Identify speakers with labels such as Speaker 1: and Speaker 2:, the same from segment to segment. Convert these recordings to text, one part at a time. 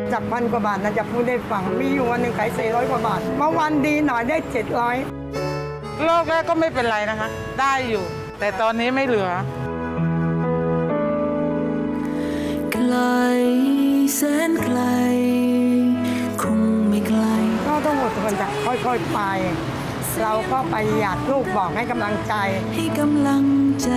Speaker 1: จาก1,000 กว่าบาทนะจะพูดได้ฟังมีอยู่วันหนึ่งขาย400 กว่าบาทเมื่อวันดีหน่อยได้700
Speaker 2: โรคแรกก็ไม่เป็นไรนะคะได้อยู่แต่ตอนนี้ไม่เหลือ
Speaker 3: ไกลแสนไกลคงไม่ไกล
Speaker 1: ก็ต้องอดทนจ้ะค่อยๆไปเราก็ประหยัดลูกบอกให้กำลังใจ
Speaker 3: ให้กำลังใจ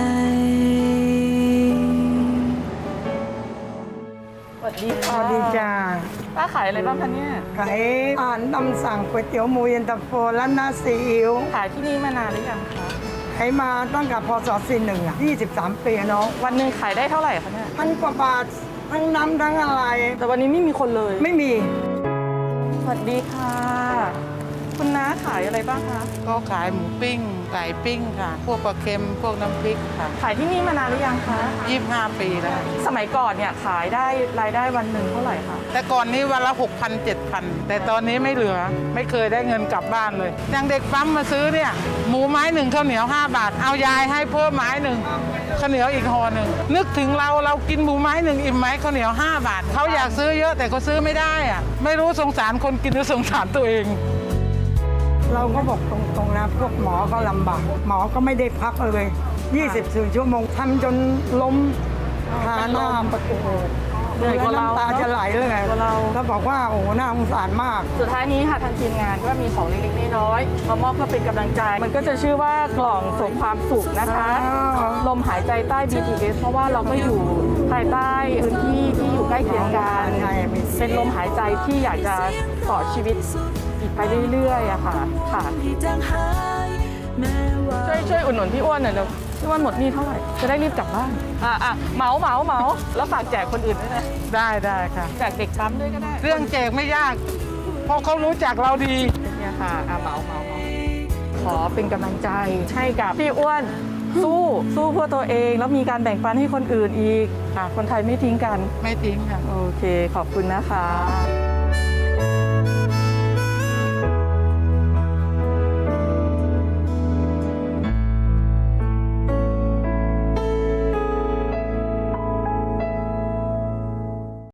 Speaker 4: สวัสดี
Speaker 1: ส
Speaker 4: ค่ะ
Speaker 1: วัสดีจ้า
Speaker 4: ป้าขายอะไรบ้างคะเนี่ย
Speaker 1: ขายอาหารตามสั่งก๋วยเตี๋ยวหมูเย็นตาโฟและน้าซีอิ๊ว
Speaker 4: ขายที่นี่มานานหรือยังคะ
Speaker 1: ขายมาตั้งแต่พศ41อะ23 ปีเนาะ
Speaker 4: วันหนึ่งขายได้เท่าไหร่คะเนี่ย
Speaker 1: 1,000 กว่าบาททั้งน้ำทั้งอะไร
Speaker 4: แต่วันนี้ไม่มีคนเลย
Speaker 1: ไม่มี
Speaker 4: สวัสดีค่ะ คุณน้าขายอะไรบ้างคะ
Speaker 2: ก็ขายหมูปิ้งไก่ปิ้งค่ะ พวกปลาเค็มพวกน้ำพริกค่ะ
Speaker 4: ขายที่นี่มานานหรือยังคะ
Speaker 2: 25 ปีแล้ว
Speaker 4: สมัยก่อนเนี่ยขายได้รายได้วันหนึ่งเท่าไหร่คะ
Speaker 2: แต่ก่อนนี้วันละ 6,000 7,000 แต่ตอนนี้ไม่เหลือไม่เคยได้เงินกลับบ้านเลยอย่างเด็กปั๊มมาซื้อเนี่ยหมูไม้หนึ่งข้าวเหนียว5 บาทเอายายให้เพิ่มไม้หนึ่งข้าวเหนียวอีกห่อหนึ่งนึกถึงเรากินหมูไม้หนึ่งอิ่มไหมข้าวเหนียว5 บาทเขาอยากซื้อเยอะแต่เขาซื้อไม่ได้อะไม่รู้สงสารคนกินหรือสงสารตัวเอง
Speaker 1: เราก็บอกตรงๆนะพวกหมอก็ลำบากหมอก็ไม่ได้พักเลย24 ชั่วโมงทำจนล้มคาหน้าประตู
Speaker 4: เหนื่อยกว่าเรา
Speaker 1: น้ำตาจะไหลเลยไง
Speaker 4: เหนื่อยกว่าเรา
Speaker 1: แล้วบอกว่าโอ้โหน่าสงสารมาก
Speaker 4: สุดท้ายนี้ค่ะทางทีมงานก็มีของเล็กๆน้อยๆมามอบเพื่อเป็นกำลังใจ มันก็จะชื่อว่ากล่องส่งความสุขนะคะ
Speaker 1: อ๋อ
Speaker 4: ลมหายใจใต้ BTS เพราะว่าเราก็อยู่ภายใต้พื้นที่ที่อยู่ใกล้เคียงกันเป็นลมหายใจที่อยากจะต่อชีวิตอีกไปเรื่อยๆอะค่ะค่ะ
Speaker 3: ที่จางหายแม้ว่า
Speaker 4: ช่วยอุดหนุนพี่อ้วนหน่อยเร็วพี่อ้วนหมดหนี้เท่าไหร่จะได้รีบกลับบ้านเหมาแล้วฝากแจกคนอื่นด้วยนะ
Speaker 2: ได้ค่ะ
Speaker 4: แจกเด็กปั๊มด้วยก็ได้
Speaker 2: เรื่องแจกไม่ยากเพราะเขารู้จักเราดี
Speaker 4: เนี่ยค่ะเหมาขอเป็นกำลังใจให้กับพี่อ้วนสู้เพื่อตัวเองแล้วมีการแบ่งปันให้คนอื่นอีกคนไทยไม่ทิ้งกัน
Speaker 2: ไม่ทิ้งค่ะ
Speaker 4: โอเคขอบคุณนะคะ